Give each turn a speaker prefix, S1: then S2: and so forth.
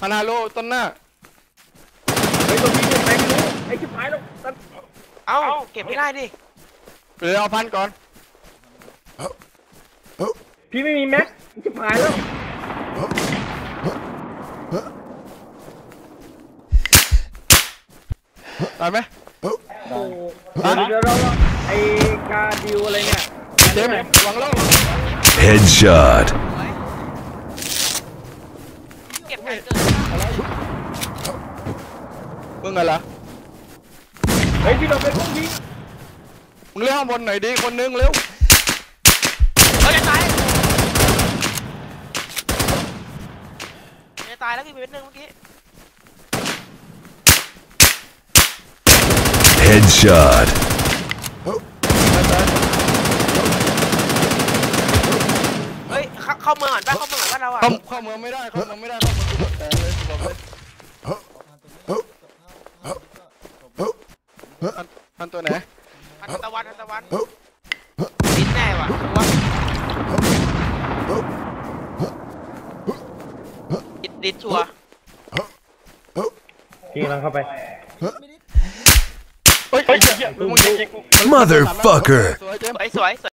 S1: มันฮาโลต้นหน้า
S2: ไอ้ตัวพี่เนี่ยไปไม่รู้ไอ้ชิบหายแล้ว
S3: เอ้าเก็บไม่ได้ดิ
S1: เดี๋ยวเอาพันก่อน
S2: พี่ไม่มีแม็กชิบหายแล้ว
S1: ได้ไหม
S2: โอ้เดี๋ยวเราไอ้กาดิวอะไรเนี่ย
S1: เจมหวังล่อง
S4: Headshot
S3: เก็บไก่เกิด
S1: มึงอะไร
S2: เฮ้ยพี่เราเป็นพวกนี้
S1: มึงเลี้ยงข้างบนหน่อยดีคนนึงเร็ว
S3: เฮ้ยจะตายจะตายแล้วกี่เป็นหนึ่งเมื่อกี้
S4: Headshot
S3: เฮ้ยเข้าเมืองก่อนป่ะเข้าเมืองก่อนป่ะเราอะ
S1: เข้าเมืองไม่ได้เข้าเมืองไม่ได้เข้าเมืองแต่เลยบอกเลยพันตัวไหน
S3: ทันตะวันดิ้นแน่ว่ะดิ้นชัวร์
S2: พี่กำลังเข้าไป
S1: เฮ้ย
S4: Motherfucker
S1: สวยเจม
S3: สวย